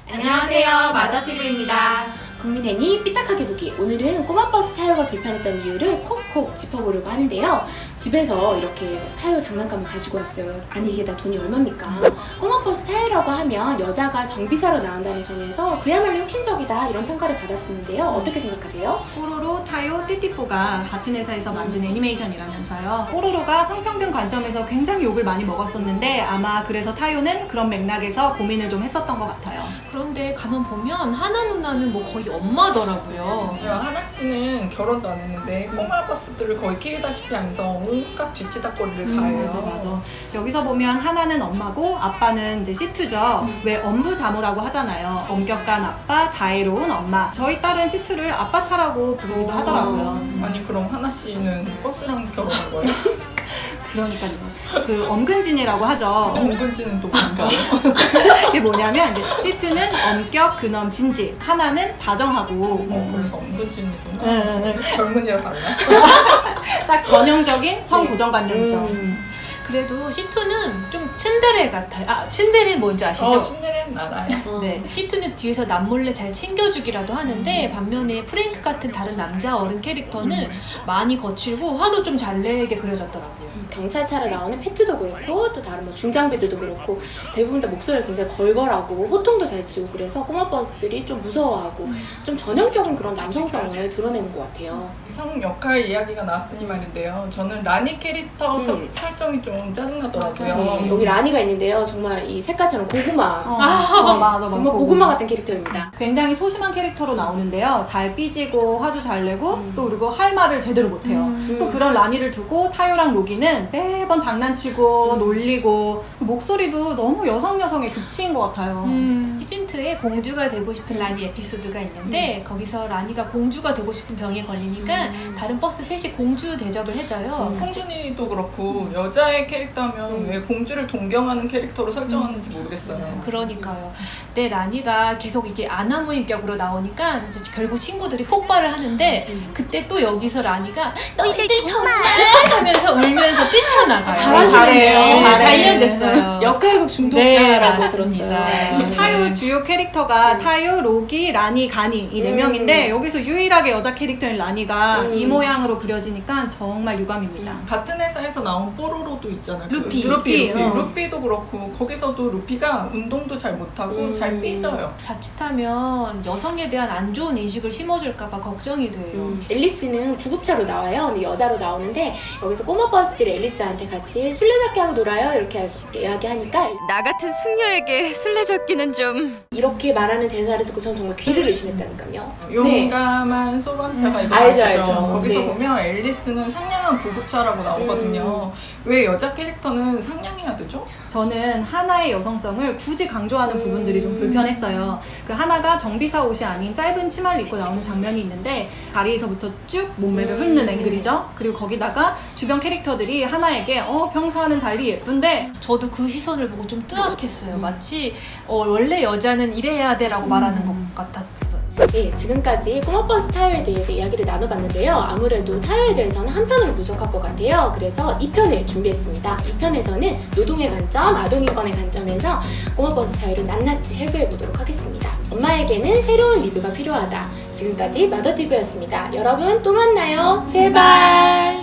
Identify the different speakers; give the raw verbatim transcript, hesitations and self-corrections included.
Speaker 1: 안녕하세요, 마더티브입니다.
Speaker 2: 국민애니 삐딱하게 보기. 오늘은 꼬마 버스 타요가 불편했던 이유를 콕콕 짚어보려고 하는데요. 집에서 이렇게 타요 장난감을 가지고 왔어요. 아니 이게 다 돈이 얼마입니까? 꼬마 버스 타요라고 하면 여자가 정비사로 나온다는 점에서 그야말로 혁신적이다 이런 평가를 받았었는데요. 어떻게 생각하세요?
Speaker 1: 뽀로로, 타요, 띠띠뽀가 같은 회사에서 만든 애니메이션이라면서요. 뽀로로가 성평등 관점에서 굉장히 욕을 많이 먹었었는데 아마 그래서 타요는 그런 맥락에서 고민을 좀 했었던 것 같아요.
Speaker 3: 그런데 가만 보면 하나 누나는 뭐 거의 엄마더라고요.
Speaker 4: 야, 하나 씨는 결혼도 안 했는데 꼬마 버스들을 거의 키우다시피 하면서 온갖 뒤치다거리를
Speaker 1: 음,
Speaker 4: 다 해요.
Speaker 1: 맞아 맞아. 여기서 보면 하나는 엄마고 아빠는 이제 시투죠.
Speaker 3: 음.
Speaker 1: 왜 엄부자모라고 하잖아요. 엄격한 아빠, 자애로운 엄마. 저희 딸은 시투를 아빠 차라고 부르기도
Speaker 3: 오.
Speaker 1: 하더라고요.
Speaker 4: 아니 그럼 하나 씨는 버스랑 결혼한 거예요?
Speaker 1: 그러니까요. 그 엄근진이라고 하죠.
Speaker 4: 은근지는 또 뭔가요?
Speaker 1: 이게 뭐냐면 이제 시투는 엄격, 근엄, 진지. 하나는 다정하고.
Speaker 4: 어, 그래서 은근지이구나.
Speaker 1: 응, 응,
Speaker 4: 젊은이랑 달라.
Speaker 1: 딱 전형적인 성고정관념이죠.
Speaker 2: 음.
Speaker 3: 그래도 시투는 좀 츤데레 같아요. 아, 츤데레는 뭔지 아시죠?
Speaker 4: 어, 친데레는 알아요.
Speaker 2: 어.
Speaker 3: 네, 시투는 뒤에서 남몰래 잘 챙겨주기라도 하는데 반면에 프랭크 같은 다른 남자 어른 캐릭터는 많이 거칠고 화도 좀 잘 내게 그려졌더라고요.
Speaker 2: 경찰차로 나오는 패트도 그렇고 또 다른 뭐 중장비들도 그렇고 대부분 다 목소리를 굉장히 걸걸하고 호통도 잘 치고 그래서 꼬마 버스들이 좀 무서워하고 좀 전형적인 그런 남성성을 드러내는 것 같아요.
Speaker 4: 성 역할 이야기가 나왔으니 말인데요. 저는 라니 캐릭터
Speaker 2: 음.
Speaker 4: 설- 설정이 좀 짜증나더라고요.
Speaker 2: 네, 여기 라니가 있는데요. 정말 이 색깔처럼 고구마.
Speaker 1: 어, 어, 맞아, 맞아.
Speaker 2: 정말 고구마 같은 캐릭터입니다.
Speaker 1: 굉장히 소심한 캐릭터로 나오는데요. 잘 삐지고 화도 잘 내고
Speaker 2: 음.
Speaker 1: 또 그리고 할 말을 제대로 못해요.
Speaker 3: 음.
Speaker 1: 또 그런 라니를 두고 타요랑 로기는 매번 장난치고 놀리고 목소리도 너무 여성 여성의 극치인 것 같아요.
Speaker 3: 음, 시즌이에 공주가 되고 싶은 라니 에피소드가 있는데 거기서 라니가 공주가 되고 싶은 병에 걸리니까 다른 버스 셋이 공주 대접을 해줘요.
Speaker 2: 음.
Speaker 4: 홍준이도 그렇고 여자의 캐릭터면
Speaker 2: 음.
Speaker 4: 왜 공주를 동경하는 캐릭터로 설정하는지 모르겠어요.
Speaker 2: 맞아요.
Speaker 3: 그러니까요. 근데 라니가 계속 이게 아나무인격으로 나오니까 이제 결국 친구들이 폭발을 하는데
Speaker 2: 음.
Speaker 3: 그때 또 여기서 라니가 너희들 정말 하면서 울면서 뛰쳐나가요.
Speaker 2: 잘하시네요.
Speaker 3: 네,
Speaker 2: 잘해.
Speaker 3: 단련됐어요.
Speaker 2: 역할극
Speaker 3: 네,
Speaker 2: 중독자라고
Speaker 3: 맞습니다.
Speaker 2: 들었어요.
Speaker 3: 네.
Speaker 1: 타요 주요 캐릭터가
Speaker 2: 음.
Speaker 1: 타요, 로기, 라니, 가니 이 네
Speaker 2: 음.
Speaker 1: 명인데 여기서 유일하게 여자 캐릭터인 라니가
Speaker 2: 음.
Speaker 1: 이 모양으로 그려지니까 정말 유감입니다.
Speaker 4: 같은 회사에서 나온 뽀로로도 있잖아요.
Speaker 3: 루피.
Speaker 4: 그 루피, 루피.
Speaker 1: 어.
Speaker 4: 루피도 그렇고 거기서도 루피가 운동도 잘 못하고
Speaker 2: 음.
Speaker 4: 잘 삐져요.
Speaker 3: 자칫하면 여성에 대한 안 좋은 인식을 심어줄까봐 걱정이 돼요.
Speaker 2: 음, 앨리스는 구급차로 나와요. 근데 여자로 나오는데 여기서 꼬마 버스들이 앨리스한테 같이 술래잡기 하고 놀아요. 이렇게 이야기하니까
Speaker 5: 나 같은 숙녀에게 술래잡기는 좀...
Speaker 2: 이렇게 말하는 대사를 듣고 저는 정말 귀를 의심했다니까요. 네.
Speaker 4: 용감한 소방차가
Speaker 2: 음.
Speaker 4: 이거
Speaker 2: 알죠,
Speaker 4: 아시죠?
Speaker 2: 알죠.
Speaker 4: 거기서
Speaker 2: 네.
Speaker 4: 보면 앨리스는 상냥한 구급차라고 나오거든요. 왜 여자 캐릭터는 상냥해야 되죠?
Speaker 1: 저는 하나의 여성성을 굳이 강조하는 부분들이 좀 불편했어요. 그 하나가 정비사 옷이 아닌 짧은 치마를 입고 나오는 장면이 있는데 다리에서부터 쭉 몸매를
Speaker 2: 음.
Speaker 1: 훑는 앵글이죠. 그리고 거기다가 주변 캐릭터들이 하나에게 어 평소와는 달리 예쁜데
Speaker 3: 저도 그 시선을 보고 좀 뜨악했어요. 마치 어, 원래 여자는 이래야 돼라고 말하는 것 같았어요.
Speaker 2: 네, 지금까지 꼬마버스 타요에 대해서 이야기를 나눠봤는데요. 아무래도 타요에 대해서는 한 편으로 부족할 것 같아요. 그래서 이 편을 준비했습니다. 이 편에서는 노동의 관점, 아동인권의 관점에서 꼬마버스 타요를 낱낱이 해부해보도록 하겠습니다. 엄마에게는 새로운 리뷰가 필요하다. 지금까지 마더티브였습니다. 여러분 또 만나요. 제발!